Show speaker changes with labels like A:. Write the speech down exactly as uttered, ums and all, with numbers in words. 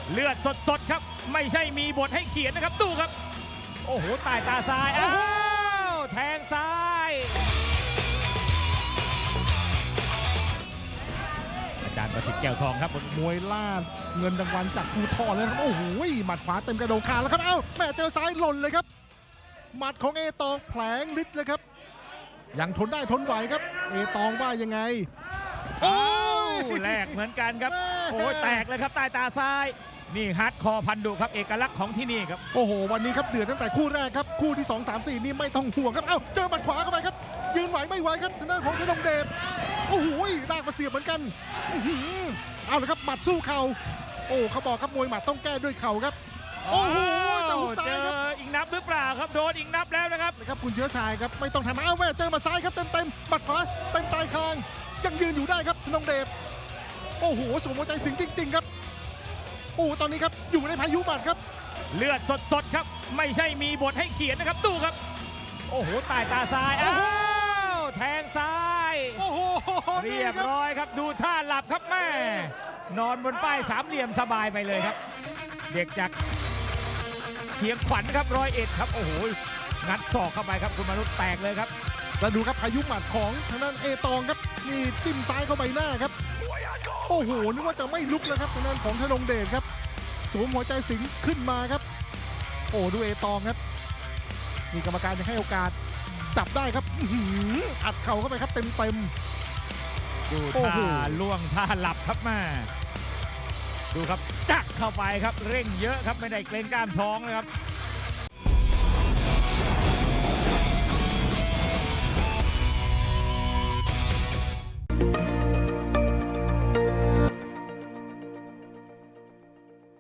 A: เลือดสดๆครับไม่ใช่มีบทให้เขียนนะครับดูครับโอ้โหใต้ตาซ้ายอ้าวแทงซ้ายอาจารย์ประสิทธิ์แก้วทองครับ
B: มวยล่าเงินรางวัลจากภูทรเลยครับโอ้โหหมัดขวาเต็มกระโดงคางแล้วครับเอ้าแม่เจอซ้ายหล่นเลยครับหมัดของเอตองแผลงฤทธิ์เลยครับยังทนได้ทนไหวครับเอตองว่ายังไงโอ้ย
A: แลกเหมือนกันครับโอ้ยแตกเลยครับใต้ตาซ้ายนี่ฮาร์ดคอร์พันดุครับเอกลักษณ์ของที่นี่ครับ
B: โอ้โหวันนี้ครับเดือดตั้งแต่คู่แรกครับคู่ที่สอง สาม สี่นี่ไม่ต้องห่วงครับเอ้าเจอหมัดขวาเข้าไปครับยืนไหวไม่ไหวครับทางด้านของธนงเดชโอ้โหได้มาเสียบเหมือนกันอื้อหือเอาเลยครับหมัดสู้เข่าโอ้เขาบอกครับมวยหมัดต้องแก้ด้วยเข่าครับโอ้โหแต่หุกซ้ายครับ
A: เจออีกนับหรือเปล่าครับโดนอีกนับแล้วนะครับ
B: นะครับคุณเชื้อชายครับไม่ต้องทำอ้าวแม่เจอหมาซ้ายครับเต็มเต็มๆหมัดขวาเต็มปลายคางยังยืนอยู่ได้ครับธนงเดชโอ้โหสมหัวใจสิงจริงๆครับโอ้ตอนนี้ครับอยู่ในพายุหมัดครับ
A: เลือดสดๆครับไม่ใช่มีบทให้เขียนนะครับดูครับโอ้โหใต้ตาซ้ายอ้าวแทงซ้าย
B: โอ้โห
A: เรียบ
B: นี่ค
A: ร้อยครับดูท่าหลับครับแม่นอนบนป้ายสามเหลี่ยมสบายไปเลยครับ เด็กจากเขียงขวัญครับร้อยเอ็ดครับโอ้โหงัดศอกเข้าไปครับคุณมนุษย์แตกเลยครับ
B: แล้วดูครับพายุหมัดของทางด้านเอตองครับนี่จิ้มซ้ายเข้าใบหน้าครับโอ้โหนึกว่าจะไม่ลุกแล้วครับทางด้านของธนงเดชครับสวมหัวใจสิงขึ้นมาครับโอ้ดูเอตองครับมีกรรมการยังให้โอกาสจับได้ครับอื้อหืออัดเข่าเข้าไปครับเต็มเต็มๆ
A: ดู
B: โอ้โห
A: ท่าล่วงท่าหลับครับแม่ดูครับจักเข้าไปครับเร่งเยอะครับไม่ได้เกรงกล้ามท้องนะครับ